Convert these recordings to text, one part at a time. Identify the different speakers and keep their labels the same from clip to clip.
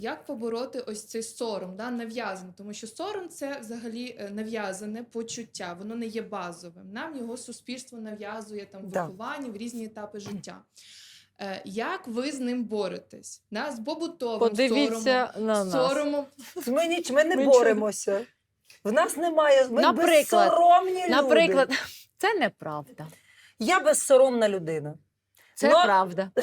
Speaker 1: Як побороти ось цей сором, да, нав'язаний? Тому що сором – це взагалі нав'язане почуття, воно не є базовим. Нам його суспільство нав'язує там в
Speaker 2: Да.
Speaker 1: вихованні, в різні етапи життя. Як ви з ним боретесь? Да? З побутовим
Speaker 3: Подивіться на нас.
Speaker 1: соромом.
Speaker 2: Ми не боремося. В нас немає, ми
Speaker 3: Наприклад,
Speaker 2: безсоромні люди.
Speaker 3: Наприклад, це неправда.
Speaker 2: Я безсоромна людина.
Speaker 3: Це
Speaker 2: Ну,
Speaker 3: правда.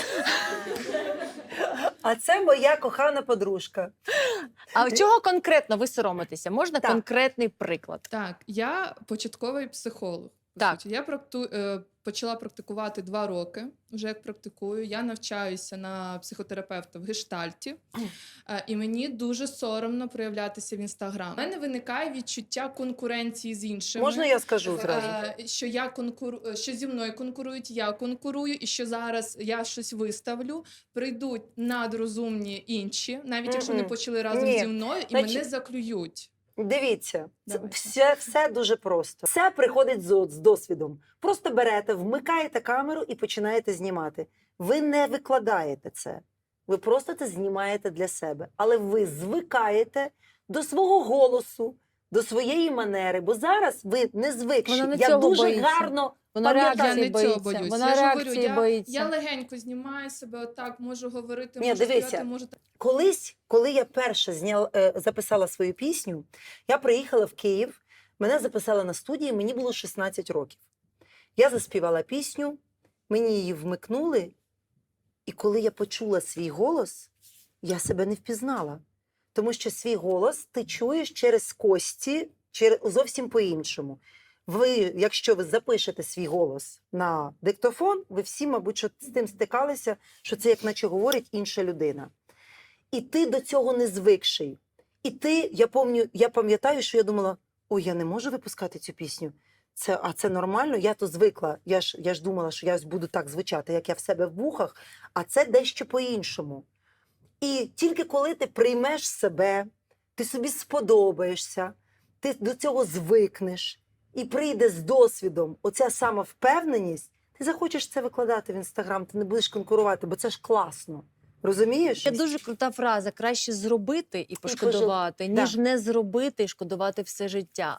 Speaker 2: А це моя кохана подружка.
Speaker 3: А чого конкретно ви соромитеся? Можна
Speaker 2: Так.
Speaker 3: конкретний приклад?
Speaker 1: Так, я початковий психолог. по
Speaker 3: Так.
Speaker 1: суті. Я почала практикувати 2 роки, вже як практикую. Я навчаюся на психотерапевта в гештальті, і мені дуже соромно проявлятися в Інстаграм. У мене виникає відчуття конкуренції з іншими.
Speaker 2: Можна я скажу зразу?
Speaker 1: Що зі мною конкурують, я конкурую, і що зараз я щось виставлю, прийдуть надрозумні інші, навіть якщо не почали разом
Speaker 2: Ні.
Speaker 1: зі мною, і
Speaker 2: Значить,
Speaker 1: мене заклюють.
Speaker 2: Дивіться,
Speaker 1: Давайте.
Speaker 2: все дуже просто. Все приходить з досвідом. Просто берете, вмикаєте камеру і починаєте знімати. Ви не викладаєте це. Ви просто це знімаєте для себе. Але ви звикаєте до свого голосу, до своєї манери. Бо зараз ви не звикші.
Speaker 3: Вона не
Speaker 2: Я
Speaker 3: цього
Speaker 2: дуже
Speaker 3: боїться.
Speaker 2: гарно
Speaker 3: Вона
Speaker 2: пам'ятаю.
Speaker 1: Я
Speaker 3: реакції
Speaker 1: не цього
Speaker 3: боїться.
Speaker 1: боюсь.
Speaker 3: Вона
Speaker 1: Я ж говорю,
Speaker 3: реакції боїться.
Speaker 1: я легенько знімаю себе отак, можу говорити,
Speaker 2: Ні,
Speaker 1: можу
Speaker 2: дивися.
Speaker 1: стояти, можу так.
Speaker 2: Колись, коли я перше записала свою пісню, я приїхала в Київ, мене записали на студії, мені було 16 років. Я заспівала пісню, мені її вмикнули, і коли я почула свій голос, я себе не впізнала. Тому що свій голос ти чуєш через кості, зовсім по-іншому. Ви, якщо ви запишете свій голос на диктофон, ви всі, мабуть, що з тим стикалися, що це як наче говорить інша людина. І ти до цього не звикший. І ти, я пам'ятаю, що я думала, ой, я не можу випускати цю пісню. Це нормально, я то звикла. Я ж думала, що я буду так звучати, як я в себе в вухах, а це дещо по-іншому. І тільки коли ти приймеш себе, ти собі сподобаєшся, ти до цього звикнеш, і прийде з досвідом оця самовпевненість, ти захочеш це викладати в Інстаграм, ти не будеш конкурувати, бо це ж класно. Розумієш?
Speaker 3: Це дуже крута фраза. Краще зробити і пошкодувати,
Speaker 2: Да.
Speaker 3: ніж не зробити і шкодувати все життя.